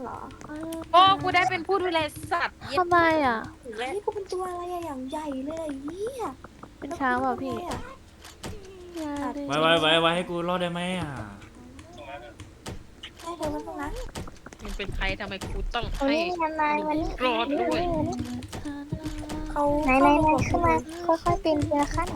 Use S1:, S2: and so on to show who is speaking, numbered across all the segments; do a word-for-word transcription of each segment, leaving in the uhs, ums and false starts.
S1: รอ
S2: โอ้กูได้เป็นผู้ดูแลสัตว์
S3: ทำไมอ่ะ
S1: เฮ้ยกูเป็นตัวอะไรอะอย่างใหญ่เลยเฮีย
S3: เป็นช้างเปล่าพี่
S4: ไว้ไว้ไว้ไว้ให้กูรอดได้ไหมอ่ะ
S1: ให้เธอมันต้องนะ
S2: มันเป็นใครทำไมกูต้อง
S5: โอ้
S2: ให้
S5: ยนนายมัน
S2: รอดด้วย
S1: เขา
S5: ไหนไหนไหนขึ้นมาค่อยๆปีนทีละขั้น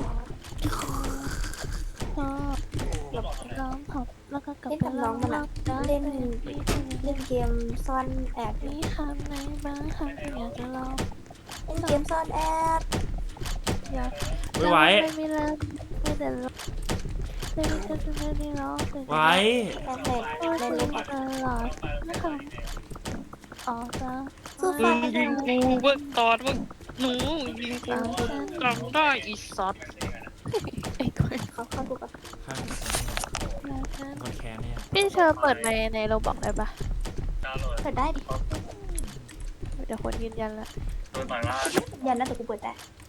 S3: ก็ร้องผับแล้วก็กลับ
S1: เล่น
S3: ไป
S1: กับ
S3: ร้
S1: น้
S3: อ
S1: อง
S3: ง
S1: มัน
S3: รอ
S1: อะ
S3: บได้
S1: เล่นเล่นเกมซ่อนแอบ
S3: มีคำไหนบ้างคำที่อยากจะลอง
S1: เล่นเกมซ่อนแอบ
S3: อยาก
S4: ไม่ไหว
S3: ไม่มีแล้วไม่แต่ร้องไม่ได้จะจะไม่ได้ร้องแต่
S4: ไว้
S1: แอบเล่น
S3: ก็
S1: เล่น
S3: คุ
S1: เล่
S3: ย
S1: น
S3: ตลอดนะคะออกจ้า
S1: สู้
S2: มึ
S1: ฟั
S2: ง
S1: ง
S2: ยิงกูเบิกตอนมึงหนูยิงกูจำได้อีสัตว์
S3: ไอ้คน
S1: เขาเข้าดูกับ
S4: ข้างคนแค้นเนี่ย
S3: พี่เชอร์เปิดในในโรบอกได้ปะ
S1: เปิดได้ดิ
S3: เดี๋ยวคนยืนยันละ
S1: ยันนะแต่กูเปิดได้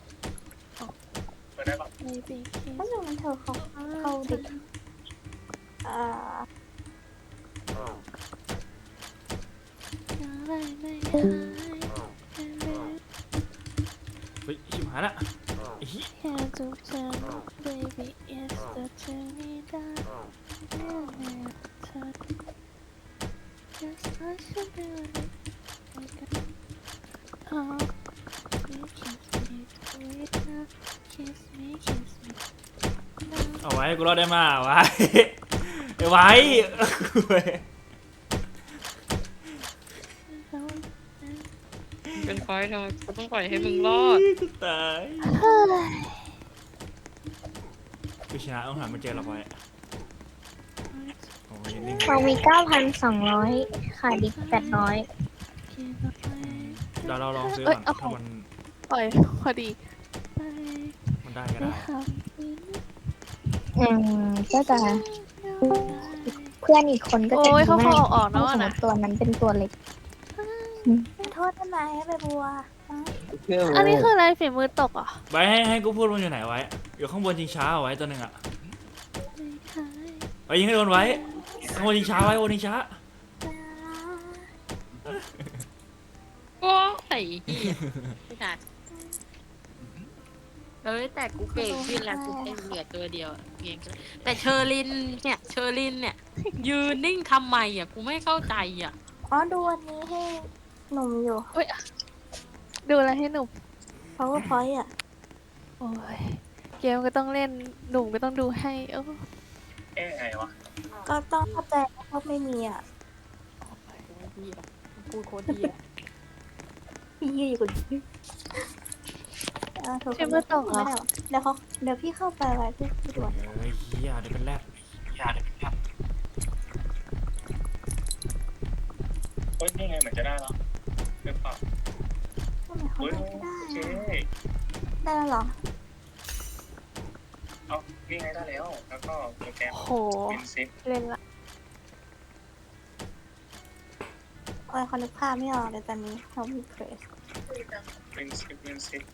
S3: ในปีคี
S1: ถ้าหนูมันเธอเขาเขาดิอ่า
S3: อะไรไม่หาย
S4: เฮ้ยชิบหายละไอ้เหี้ย
S3: แค่จุกฉัน baby it's the journey that never touch just what you do oh you kiss me sweet now kiss me kiss me
S4: เอาไว้กูรอดได้มาไว้ไอ้ไว้เว้ย
S2: เป็นไฟทำไมกูต้องปล่อยให้มึงรอด
S4: กูตายกูชนะต้องหาไม่เจอหรอกไว้โอ้ยนิ่ง
S5: เรามีเก้าพันสองร้อยขาดอีกแปดร้อย
S4: เดี๋ยวเราลองซื้อก่อนถ้ามัน
S3: ปล่อยพอดี
S4: มันได้ก็
S3: ได้
S4: ได้
S3: คำ
S5: อืมก็จะเพื่อนอีกคนก็จะ
S3: โอ้ย
S5: ดี
S3: เขา
S5: มา
S3: เขา
S5: ก
S3: ออกๆ
S5: ถ้า
S3: เนาะ
S5: สมม
S3: นะ
S5: ติตัวนั้นเป็นตัวเล็ก
S1: โทษทำไมให้ไปบัว
S3: อันนี้คืออะไรฝีมือตกเหรอ่ะ
S4: ไว้ให้ให้กูพูดมันอยู่ไหนไว้อยู่ข้างบนชิงช้าเอาไว้ตัวหนึ่งอะไว้ยิงให้โดนไว้ข้างบนชิงช้าไว้บนชิงช้า
S2: โอ้ยเหี้ยไม่ทันเอ้ยแต่กูเก่งขึ้นแล้วกูแค่เหลือตัวเดียวอะเก่งขึ้นแต่เชอรินเนี่ยเชอรินเนี่ย ยืนนิ่งทำไมอ่ะกูไม่เข้าใจอ่ะ
S1: อ๋อดูอันนี้ให้หนุ่มอยู่
S3: ดูอะไรให้หนุ่ม
S1: powerpoint อ่ะ
S3: โอ้ยเกมก็ต้องเล่นหนุ่มก็ต้องดูให้เออ
S6: เอ๊ะไงวะ
S1: ก็ต้องเข้าใจว่าไม่มีอ่ะ
S2: พูดโคตรดีอ่ะ
S1: พี่ยืนอยู่กับเออโทร
S3: ฝีมือตกเหรอ
S1: ไม่ได้หรอเดี๋ยวเขาเดี๋ยวพี่เข้าไปไว้พี่พี่ด่วน
S4: เฮ้ยเฮียเดี๋ยวเป็นแรด
S6: อย่าเดี๋ยวครับเฮ้ยนี่ไงเหมือนจะได้แล้วหรือเปล่า
S1: ทำไมเขา
S6: เฮ้ย
S1: ได้ไม่ได้
S6: โอเค
S1: อะได้แล้วเหรอ
S6: เอานี่ไงได้แล้ว แล้วก็โปรแกรม
S3: โห
S6: เป็นซิป
S3: เล่นละ
S1: โอ้ยเขานึกภาพไม่ออกเลยตอนนี้เขามีเพรส
S6: เป็นซิปเป็นซิป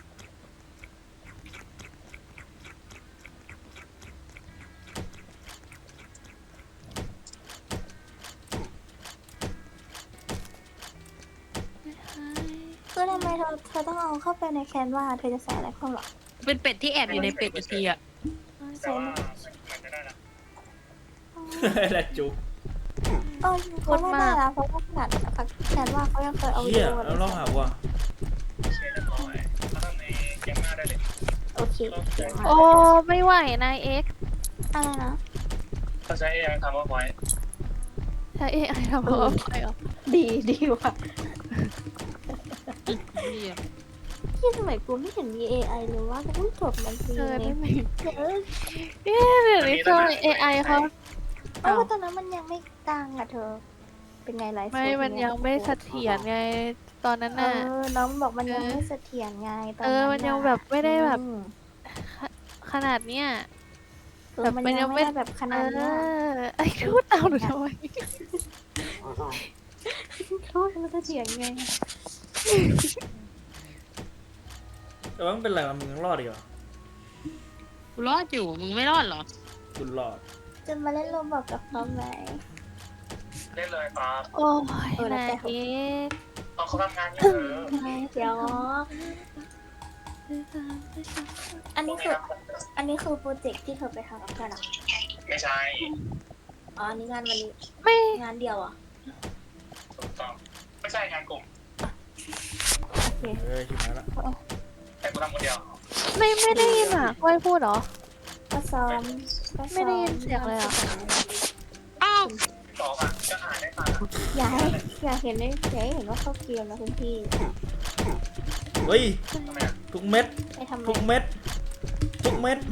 S1: คือทำไมเธอเธอต้องเอาเข้าไปในแคนวาเธอจะใส่อะไรเข้าหรอ
S2: เป็นเป็ดที่แอบอยู่ในเป็ดอีกทีอ่ะ
S6: แต่ว่ามันจะได้แล้ว
S4: แรดจุก
S1: เออเขาไม่ได้แล้วเพราะว่าขนาดแคนวาเขายังเคยเอาวิ
S4: เฮี
S1: ดี
S4: ย
S1: โอ
S4: แล้วลองหาว่ะ
S6: โอเคเรียบร้อยถ้าทำในเกมหน้าได้เลย
S1: โอเค
S6: ก็ใช้
S3: โอ้ไม่ไหวนายเอ็กซ์
S1: อะไรนะ
S6: ก็ใช้เองทำว่าไว้
S3: ใช้เอไอทำเอาไปเหรอ
S1: ดีดีว่ะ
S2: เหี้ย
S1: ที่สมัยกูไม่เห็นมี เอ ไอ เลยว่ากูเพิ่งจบมันที
S3: เออ
S1: เล
S3: ไม่
S1: ย
S3: มีเอ๊ะเดี๋ยวนี้ตัวเอไอเขา
S1: เพราะว่าตอนนั้นมันยังไม่ดังอ่ะเธอ เป็นไงไลฟ์
S3: ไม่มันยังไม่เสถียรไงตอนนั้น
S1: เอ
S3: น่ะ
S1: อน้องมันบอกมันยัง
S3: เออ
S1: ไม่เสถียรไงตอน
S3: เออ
S1: นั้น
S3: มันยังแบบไม่ได้แบบ
S1: อืม
S3: ขนาดเนี้ย
S1: เออมัน
S3: แบบมันยั
S1: ยัง
S3: ง
S1: ไม่
S3: ไม่
S1: ได้แบบข
S3: เอ
S1: นาดเนี้ย
S3: อไอ้พูดเอาหนูทำไม
S1: โทษมันเสถียรไง
S4: แต่ว่ามันเป็นไรวะมึงยังรอดอีกเหรอ
S2: กูรอดอยู่มึงไม่รอดเหรอ
S4: กูรอด
S1: จะมาเล่นโรบอกกับเขาไหม
S6: เล่นเลยฟ้า
S3: โอ้ยนายเอก
S6: ตอนเขาทำงานเนี่ยเออ
S1: เดี๋ยว อันนี้คือ อันนี้คือโปรเจกต์ที่เธอไปทำกับเพื่อนเหรอ
S6: ไม่ใช่
S1: อ๋อ อันนี้งานวันนี้
S3: ไม่
S1: งานเดียวเหรอ่ะ
S6: ถูกต้องไม่ใช่งานกลุ่ม
S1: โอเค
S4: เออชิบหายละ
S6: แต่กูทำคนเดียว
S3: ไม่ไม่ได้ยินอ่ะก้อยพูดเหรอ
S1: ก็ซ้อมก็ซ้อ
S3: ไม่ได้ยินเสียงเลยอะ
S2: อ้าว
S6: สองอ่ะจะอ่านได้ฟัง
S1: อยากให้อยากเห็นได้อยากให้เห็นว่าเข้าเกมนะคุณพี่
S4: เฮ้ย
S6: ทำไมอ่ะ
S4: ทุกเม็ด
S1: ไปทำไม
S4: ทุกเม็ดทุกเม็ด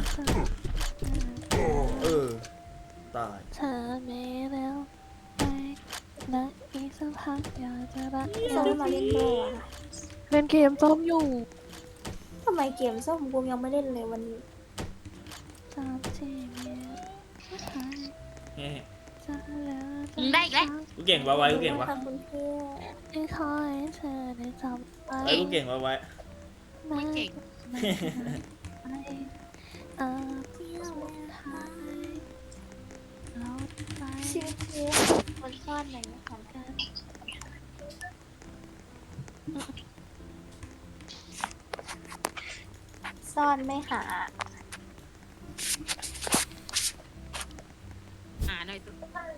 S4: เออตาย
S3: เธอไม่แล้วไปนะอีกสักพักอยากจะรัก
S1: ส้มมาเล่นด้วยอ่ะ
S3: เล่นเกมส้มอยู่
S1: ทำไมเกมส้มกูยังไม่เล่นเลยวันนี้
S3: ตามที่มีหาย
S4: เฮ้ย
S3: จะแล้ว
S2: มึงได้อีกแล้ว
S4: กูเก่งวะไว้กูเก่งวะ
S1: ทำคุณพี่
S3: ไม่คอยเธอได้จำไป
S4: ไว้กูเก่งวะไว้
S2: ไม่เก่ง
S3: ไปเออเที่ยวหายเราไป
S1: ชื่อเพื่อคนซ่อนไหนของกันซ่อนไม่หา
S2: หาหน่อยสิ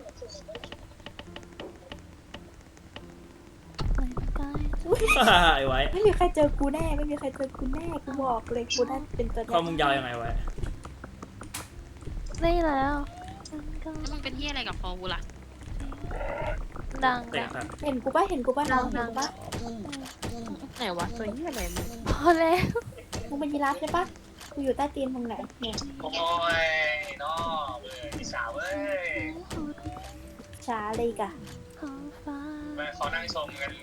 S3: ไป
S4: ไอ้ไว้
S1: ไม่มีใครเจอกูแน่ ไม่มีใครเจอกูแน่ กูบอกเลยกูน่าเป็นตัวแท
S4: ข้อมึงยาวยังไงไว้
S3: ได้แล้วมันก็
S2: แล้วมึงเป็นที่อะไรกับพอกูล่ะ
S3: ดัง
S4: เตะ
S3: แล้ว
S4: ครับ
S1: เห็นกูป่ะ เห็นกูป่ะน้องเห็นกูป่ะ
S2: ไหนวะตัวที่อะไรมึง
S3: พอแล้ว
S1: มึงเป็นยีราฟใช่ป่ะ กูอยู่ใต้ตีนมึงไหนเนี่ย
S6: โอ้ยน้อเว้ยพี่สาวเว้ย
S1: ช้าเลยกะ
S3: ของฟ้า
S6: แม่เขานั่งชมกัน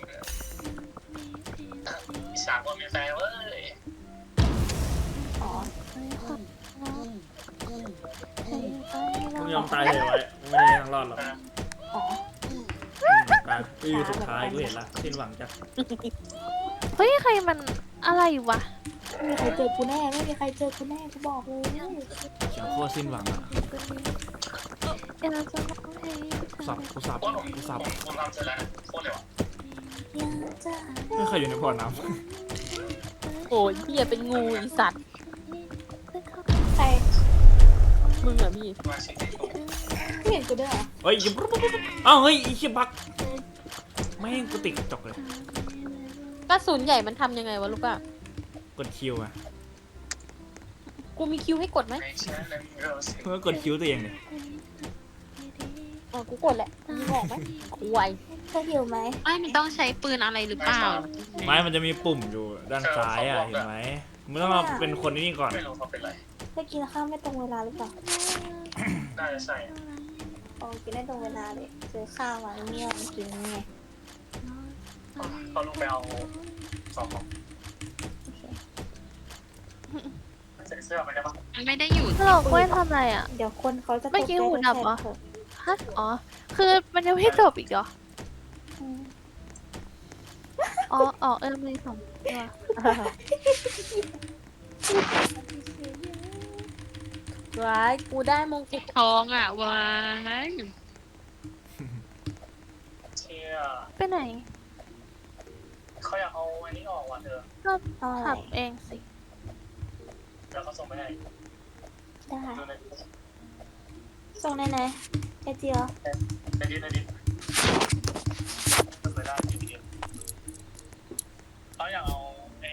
S6: พี่สาวก็มีแฟนเว้ย
S1: อ๋อ
S3: ไม่ความรักให้ไป
S4: มึงย
S3: เรา
S4: อมตายเลยไว้มึงไม่ได้ทางรอดหรอก
S1: อ๋อ
S4: อืมตายปีสุดท้ายกูเห็นละสิ้นหวังจ้ะ
S3: เฮ้ยใครมันอะไรวะ
S1: ไม่มีใครเจอกูแน่ ไม่มีใครเจอกูแน่ กูบอกเลย
S4: เสียงโคตรสิ้นหวังอ่ะ
S3: เดี๋ยวเราจะร้องเพลง
S4: กูสับกูสับ
S6: โคตรผม
S4: กูสับ
S6: ผมผมทำเสร็จแล้วนะโคตรเร็วอ่ะ
S1: อยากจะ
S4: ไม่เคยอยู่ในบ่อน้
S2: โอ้ยเหี้ยเป็นงูอีสัตว์
S1: ใคร
S2: มึงเหรอพี่
S6: มาชิคกี้พาย
S1: ไม่เห็นกูด้วยเหรอ
S4: ำเฮ้ยอย่าปุ๊บปุ๊บปุ๊บอ้าวเฮ้ยไอ้เชี่ยบักแม่งกูติดกระจกเลย
S2: กระสุนใหญ่มันทำยังไงวะลูกอะ
S4: กดคิวอ่ะ
S2: กูมีคิวให้กดไหม
S6: ไม่เชื่อเลยเราสิ
S4: เมื่อกดคิวตัวเองเนี่ย
S2: อ๋อกูกดแหละมึงบอกไหมควาย
S1: เธอหิวไหม
S2: ไอ้มันต้องใช้ปืนอะไรหรือเปล่า
S4: ไม้มันจะมีปุ่มอยู่ด้านซ้ายอ่ะเห็นไหมมึงต้องเอาเป็นคนนี้ก่อน
S6: ไม่รู้เขาเป็นไร
S1: เธอกินข้าวไม่ตรงเวลาหรือเปล่า
S6: น่าจะใช่
S1: อ๋อกินได้ตรงเวลาเลยซื้อข้าวมาเนี่ยมันกินไง
S6: เขาลงไปเอาสองของใส่เสื้อไปได้ปะ
S2: มันไม่ได้อยู่
S3: ฮัลโหลกล้วยทำอะไรอ่ะ
S1: เดี๋ยวคนเขาจะ
S3: เมื่อกี้หูดับเหรอ
S1: ตกใจ
S3: ฮะ อ๋อ คือมันยังไม่จบอีกเหรอ
S1: อืม
S3: อ๋อ อ๋อ เออมีสองตัว
S2: ว้ายกูได้มงกุฎทองอ่ะว้าย
S6: เชี่ย
S3: ไปไหน
S6: เขาอยากเอาอันนี้ออกว่ะเธอ
S3: ก็
S1: เอาอะไร
S3: ขับเองสิ
S6: แล้วเขาส่งไปให้
S1: ได้
S6: ดูใน
S1: ส่งไหนไหนไอเจียว
S6: ในดิสในดิสไปได้ที่เดียวเขาอยากเอาไอ้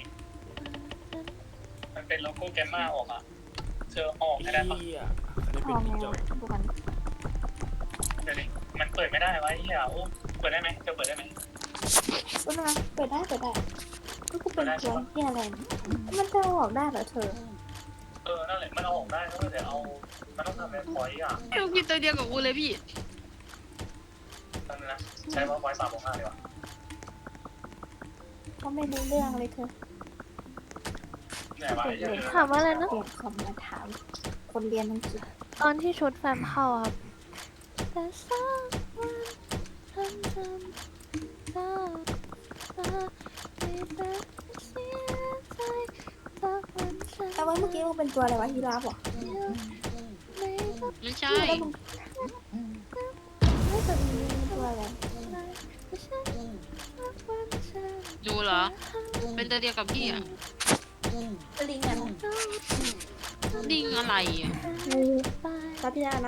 S6: มันเป็นโลโก้แกมมาออกอ่ะเธอออกให้ได้ปะ
S4: เหี้ยได้
S1: พ
S4: เป็น
S1: อไหม
S4: พี่จอ
S1: วะดูกัน
S6: เดี๋ยวดิมันเปิดไม่ได้วะไอ้เหี้ยโอ้เปิดได้ไหมเธอเปิดได้ไหม
S1: ดูนะเปิดได้เปิดได้ก็กูเป็นตัวที่อะไรมันจะเอาออกได้เหรอเธอ
S6: เออนั่นแหละมันเอาออกได้ก็แต่เอามันต้องทำเป็นพอยต์อ่ะ
S2: ลูกพี่ตัวเดียวกับกูเลยพี่
S6: นั่นนะใช้พอยต์สามของห้าดีกว่า
S1: ก็ไม่รู้เรื่องเลยเธอ
S6: ไหนวะไอ้เหี้ย
S3: ถามว่าอะไรนะ
S1: เปลี่ยนคำมาถาม คนเรียนอังกฤษ
S3: ตอนที่ชุดแฟมเข้าครับ แต่สักวันฉันจำได้ว่าไม่ได้เสียใจสักวันฉัน
S1: แต่ว่าเมื่อกี้มึงเป็นตัวอะไรวะยีราฟเหรอ
S3: ไม่รัก
S2: ไม่ใช่
S1: แล้วมึงไม่แต่มึง
S2: ดูเหรอ เป็นตัวเดียวกับพี่อ่ะ
S1: ลิงอะนะ
S2: ลิงอะไรอ่ะ
S1: รับพี่ได้นะ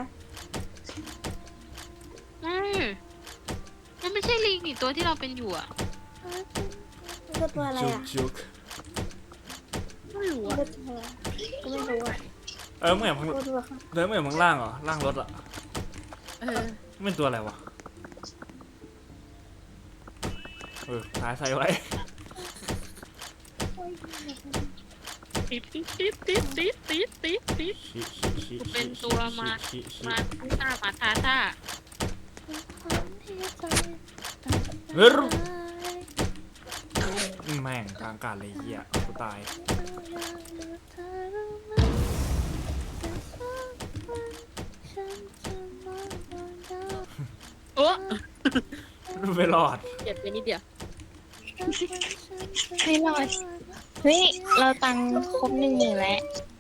S2: อืมมันไม่ใช่ลิงนี่ตัวที่เราเป็นอยู่อ่ะ
S1: มันคือตัวอะไร
S4: จุก
S1: อ่ะ
S4: จุก
S2: ไม่รู้
S1: มัน
S2: อ่ะ
S1: คือตัวก็ไม่รู้อ่ะ
S4: เออมึงเห็นมึง
S1: ตัวตัวค่ะ
S4: เดินมึงเห็นมึงล่างเหรอล่างรถอ่ะ
S2: เออ
S4: มันเป็นตัวอะไรวะเออตายใส่ไว้
S2: ติดติดติดติดติดติดติดติด
S4: ชิชิชิ
S2: เป็นตัวมา
S4: ชิชิ
S2: มาท่ามาท่าท่า
S4: เฮ้ยแม่งกลางอากาศเลยเหี้ยกูตาย
S2: โอ้
S4: ไม่รอด
S2: เจ็บไปนิดเดียว
S5: ไม่รอดเฮ้ยเราตังค์ครบหนึ่งหมื่นแล้ว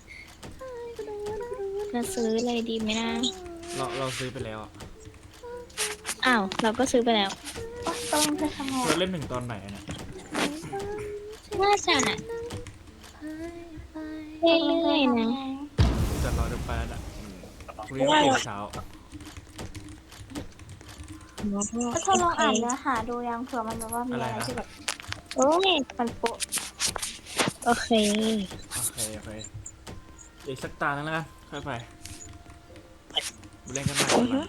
S5: เราซื้อเลยดีไหมนะ
S4: เราเราซื้อไปแล้วอะ
S5: อ้าวเราก็ซื้อไปแล้ว
S1: โอ๊ยต้องจะทำไง
S4: เราเล่นถึงตอนไหนอะเนี่ย
S5: น่าจะเรื่อยๆนะ
S4: แต่เราจะไปแล้วอะพรุ่งนี้ต้องตื่นเช้า
S1: ก็ทดลองอ่านเนื้อหาดูยังเผื่อมันแบบว่ามีอะไรที่แบบ
S5: โอ้ย
S1: มันโปะ
S5: โอเค
S4: โอเคโอเคอีกสักตานึงแล้วกันค่อยไปไปเล่นกันใหม่ก่อนละ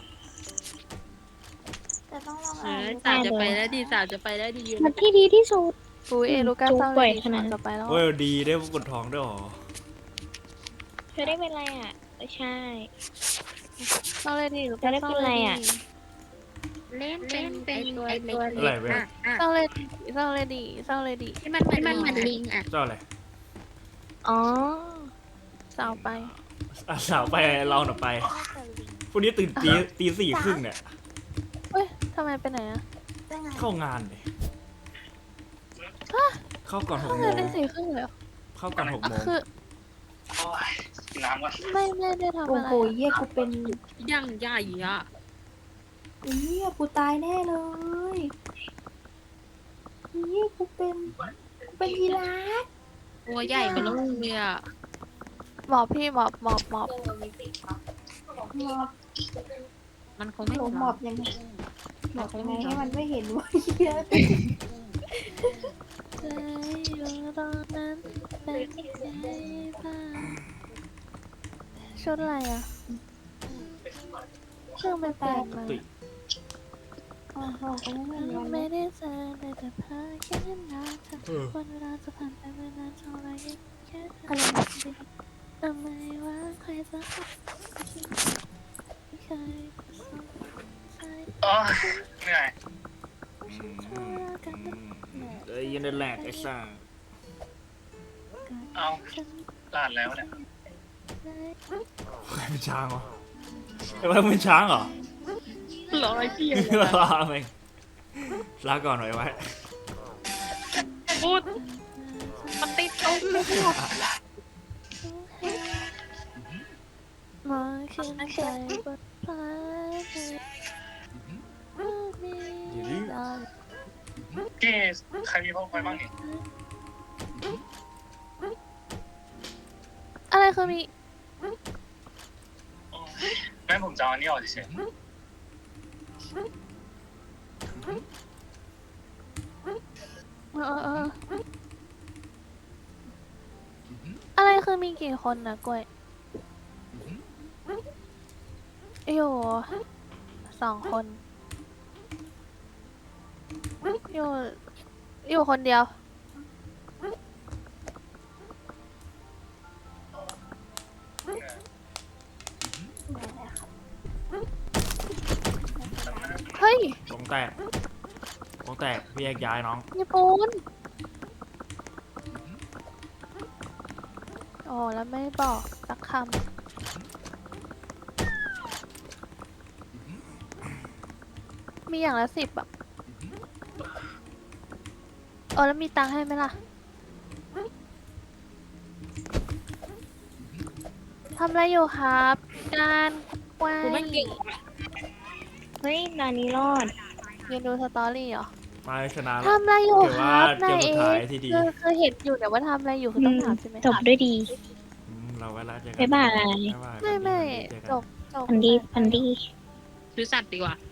S1: แต่ต้องลอง
S2: เอ
S1: อ่าน
S2: อ
S1: ดู
S2: สาวจะไปแล้วดีสาวจะไปแล้วดี
S5: มันที่ดีที่สุด
S3: ปุ้ยเอลูก้า
S5: จุ๊บ
S3: เศร้า
S5: บ่
S3: เล
S5: อย
S3: ย
S5: ขนาดนั้น
S3: จะไปแล้ว
S4: โอ้ยดีได้กดท้องด้วยเหรอ
S5: เธอได้เป็นอะไรอ่ะไม่ใช่
S3: เศร้าเลยดิลู
S5: จะ
S3: ก้า
S5: ได้
S3: เศร้า
S5: เป็น
S3: เล
S5: ไร
S3: ย
S5: อะ
S2: เล่นเป็นเป็นตัวเล็ก
S4: อะไรเว้ย
S3: เศร้าเลยดิเศร้าเลยดิเศร้าเลยดิ
S2: ที่มันที่มันเหมือนลิงอ่ะ
S4: เจ้าอะไร
S5: อ๋อ
S3: เศร้าไป
S4: อ่ะสาวไปเราหน่ะไปพรุ่งนี้ตื่นตีตีสี่ครึ่งเนี่ย
S3: เฮ้ยทำไมไปไหนอะ
S1: ได้ไง
S4: เข้างานเลยเข้าก่อนหก
S3: เข้า
S4: โม
S3: เงิน
S4: ง
S3: ได้สี่ครึ่งเลยเหรอ
S4: เข้าก่อนหกโมง
S3: คือ
S6: โอ้ยกินน้ำก่อน
S3: ไม่ไม่ได้ทำ
S1: โอ้
S3: อะไร
S1: โหเยี่ยกูเป็น
S2: ย่างใหญ่อ่ะ
S1: เยี่ยกูตายแน่เลยเยี่ยกูเป็นกูเป็นยีราฟ
S2: ตัวใหญ่ไปแล้วเลยอ่ะ
S3: หมอบพี่หมอบหมอบหมอบ
S1: หมอบ
S2: มันคงไม่
S1: หล
S2: เห็
S1: ง
S2: น
S1: หม
S2: หร
S1: อ
S2: อก
S1: บยังไงหมอบยังไงให้มันไม่เห็นว่าเยี่ย
S3: ใจอยู่ตรงนั้นเป็นใจบ้างชุดอะไรอะเครื่องไปแปลงมา
S4: ตุย
S1: โอ้โหกูไม่เห็น
S3: เรา
S1: เลย
S3: ไม่ได้เจอเลยแต่พาแค่นั้นเธอวันเวลาจะผ่านไปไม่นานเท่าไรแค่เธอ
S1: อะไรนะ
S3: ทำไมว่าใครจะไม่เคยสนใจ
S6: โอ้ยเหนื่อย
S4: เอ้ยยันเดินแหลกไอ้ซ่า
S6: เอาลาดแล้วเนี่ย
S4: ใครเป็นช้างวะไอ้ไว้มึงเป็นช้างเหรอ
S2: ร้อยพี่
S4: ลาไปลาก่อนหน่อยไว้
S2: พูดมันติดตรง
S3: มาขึ้นใจบทเพลงมีดาว
S6: เก้ใครมีพ่อคอยบ้างนี่
S3: อะไรคือมี
S6: โอ้ยแม่ผมจะเอาอันนี้ออกเฉย
S3: เออเอออะไรคือมีกี่คนนะกล้วยอยู่สองคน อยู่อยู่คนเดียว เฮ้ย
S4: ตรงแตกตรงแตกพี่แยกย้ายน้อง
S3: ญี่ปุ่นโอ้แล้วไม่บอกสักคำ มีอย่างละสิบแบบโอ้แล้วมีตังค์ให้ไหมล่ะ ทำอะไรอยู่ครับ การไว้
S2: กูไม่เก่ง
S5: เฮ้ยนานี้รอด
S3: ยืนดูสตอรี่เหรอ
S4: มาชนะแล้ว
S3: ทำอะไรอยู่
S4: ถือ
S3: ค
S4: ว่า
S3: รับ
S4: เก
S3: นาม ย
S4: สุ
S3: เอ
S4: ดท้าย
S3: ก
S4: ที่ดี
S3: คือคือเห็นอยู่แต่ว่าทำอะไรอยู่คือต้องถามใช่ไหม
S5: จบด้วยดี
S4: อืมเราไว้แล้วเจอกัน
S5: บ๊ายบาย
S4: บ๊ายบาย
S3: ไม่ไม่
S4: เจอกัน
S3: จบจบ
S5: พันดีพันดี
S2: ซื้อสัตว์ดีกว่า